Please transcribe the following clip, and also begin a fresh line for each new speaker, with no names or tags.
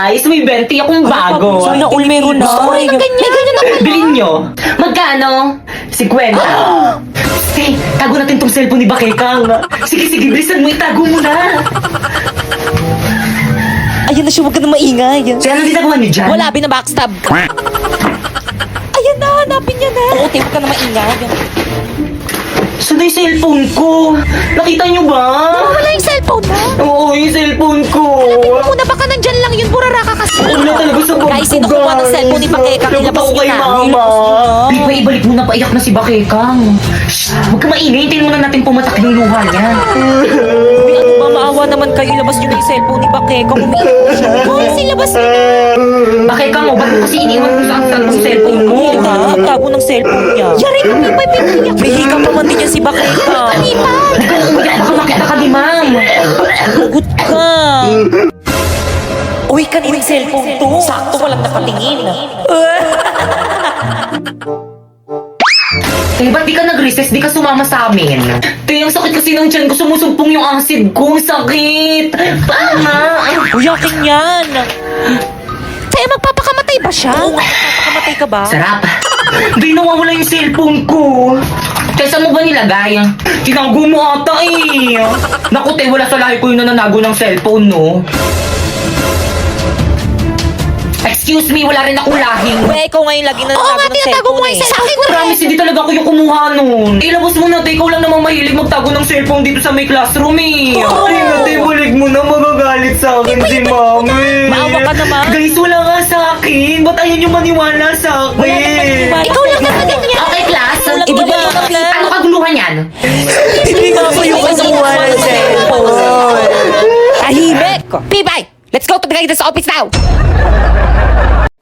guys, may 20 akong bago.
Sana all meron na.
Ay, ganyan ako.
Bilhin nyo. Magkano? 50. Hey, tago natin tong cellphone ni Bakekang. Sige, bilisan mo, itago mo na.
Ayan na siya, huwag ka na maingay.
So, ano ginagawa niyo dyan?
Wala, binabackstab. Ayan na, hanapin niya na. Oo, te, huwag ka na maingay.
Saan na yung cellphone ko? Nakita niyo ba?
Wala yung cellphone mo.
Oo, yung cellphone ko.
Muna baka nandyan lang yun. Burara ka kasi.
Wala talaga sa bag
Guys,
ko,
sino kumuha ng cellphone ni Bakekang?
Dapat
Ilabas
ako
niyo
kay
na.
Mama.
Ilabas niyo na.
Di ba, ibalik mo na, paiyak na si Bakekang. Shh, huwag ka maingay. Hintayin muna natin pumatak yung luha niya.
Uy, ano ba, maawa naman kayo. Ilabas niyo na yung cellphone ni Bakekang. Umiiyak po siya.
Kasi labas mo na.
Bakekang, ba't mo kasi iniwan ko sa aktan ng cellphone mo?
Hindi ka, tago ng cellphone niya.
Yari ko, may piniyak.
May hika pa man din yan si Bakekang.
Ipan.
Huwag ka nang umiyak, baka makita ka ni ma'am.
Hugot ka. Uy, kanina yung cellphone to. Sakto, walang nakatingin.
Eh, ba't di ka nag-recess? Di ka sumama sa amin? Te, ang sakit kasi ng tiyan ko. Sumusumpong yung acid ko. Sakit! Tama!
Uy, akin yan.
Kaya magpapakamatay ba siya?
Oo, papakamatay ka ba?
Sarap! Di nawawala yung cellphone ko. Kaya saan mo ba nilagay? Tinago mo ata eh. Naku, te, wala sa lahi ko yung nananago ng cellphone, no? Excuse me, wala rin akong lahing.
Uy, ikaw ngayon lagi na
Oo nga,
ng
tinatago mo
cellphone
nga yung cellphone.
Promise, hindi talaga ako yung kumuha nun. Ilabas mo na, te. Ikaw lang namang mahilig magtago ng cellphone dito sa may classroom, eh.
Oo.
Ay, te, balik mo na. Magagalit sa akin si mami.
Maawa ka naman.
Guys, wala nga sa akin. Ba't ayaw niyo maniwala sa akin?
Wala naman maniwala.
Ikaw lang naman ganyan.
Okay, class.
Walang
Ibigay mo
maniwala.
na, ano kaguluhan yan?
Hindi nga ako yung kumuha ng cellphone. Tahimik!
Pibay, let's go to the guidance office now.